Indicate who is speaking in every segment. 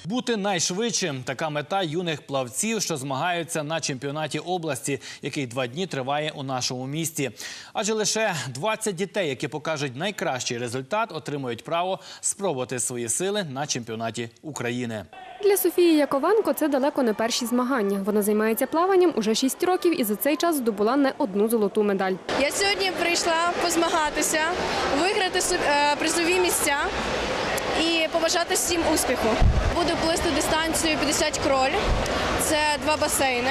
Speaker 1: Бути найшвидшим – така мета юних плавців, що змагаються на чемпіонаті області, який 2 дні триває у нашому місті. Адже лише 20 дітей, які покажуть найкращий результат, отримують право спробувати свої сили на чемпіонаті України.
Speaker 2: Для Софії Яковенко це далеко не перші змагання. Вона займається плаванням уже 6 років і за цей час здобула не одну золоту медаль.
Speaker 3: Я сьогодні прийшла позмагатися, виграти призові місця і побажати всім успіху. Буду плисти дистанцію 50 кроль, це 2 басейни.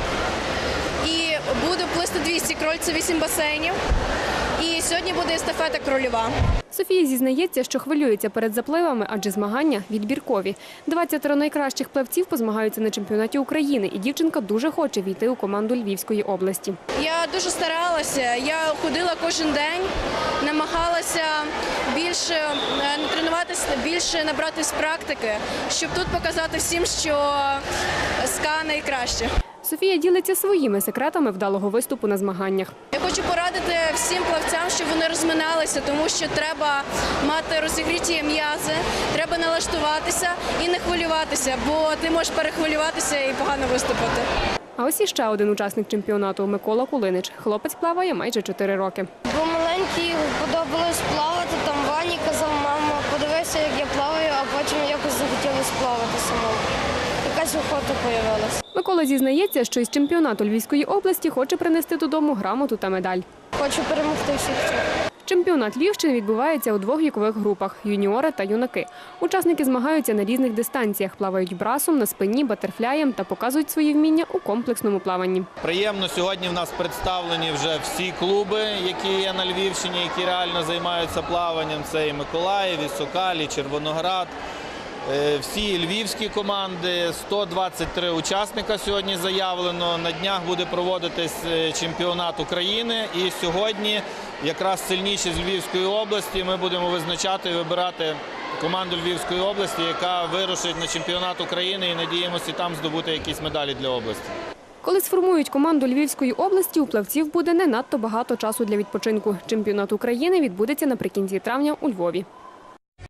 Speaker 3: І буду плисти 200 кроль, це 8 басейнів. І сьогодні буде естафета крольова.
Speaker 2: Софія зізнається, що хвилюється перед запливами, адже змагання відбіркові. 20 найкращих плавців позмагаються на чемпіонаті України, і дівчинка дуже хоче війти у команду Львівської області.
Speaker 3: Я дуже старалася, я ходила кожен день, намагалася більше тренуватися, більше набратись практики, щоб тут показати всім, що СКА найкраще.
Speaker 2: Софія ділиться своїми секретами вдалого виступу на змаганнях.
Speaker 3: Я хочу порадити всім плавцям, щоб вони розминалися, тому що треба мати розігріті м'язи, треба налаштуватися і не хвилюватися, бо ти можеш перехвилюватися і погано виступити.
Speaker 2: А ось іще один учасник чемпіонату – Микола Кулинич. Хлопець плаває майже 4 роки.
Speaker 4: Бо маленький подобалось плавати, там Вані казав, мама, подивися, як я плаваю, а потім якось захотілося плавати самому. Якась охота з'явилася.
Speaker 2: Микола зізнається, що із чемпіонату Львівської області хоче принести додому грамоту та медаль.
Speaker 4: Хочу перемогти всіх.
Speaker 2: Чемпіонат Львівщини відбувається у 2 вікових групах – юніори та юнаки. Учасники змагаються на різних дистанціях, плавають брасом, на спині, батерфляєм та показують свої вміння у комплексному плаванні.
Speaker 5: Приємно, сьогодні в нас представлені вже всі клуби, які є на Львівщині, які реально займаються плаванням. Це і Миколаїв, і Сокаль, і Червоноград. Всі львівські команди, 123 учасника сьогодні заявлено. На днях буде проводитись чемпіонат України. І сьогодні якраз сильніші з Львівської області ми будемо визначати і вибирати команду Львівської області, яка вирушить на чемпіонат України і надіємося там здобути якісь медалі для області.
Speaker 2: Коли сформують команду Львівської області, у плавців буде не надто багато часу для відпочинку. Чемпіонат України відбудеться наприкінці травня у Львові.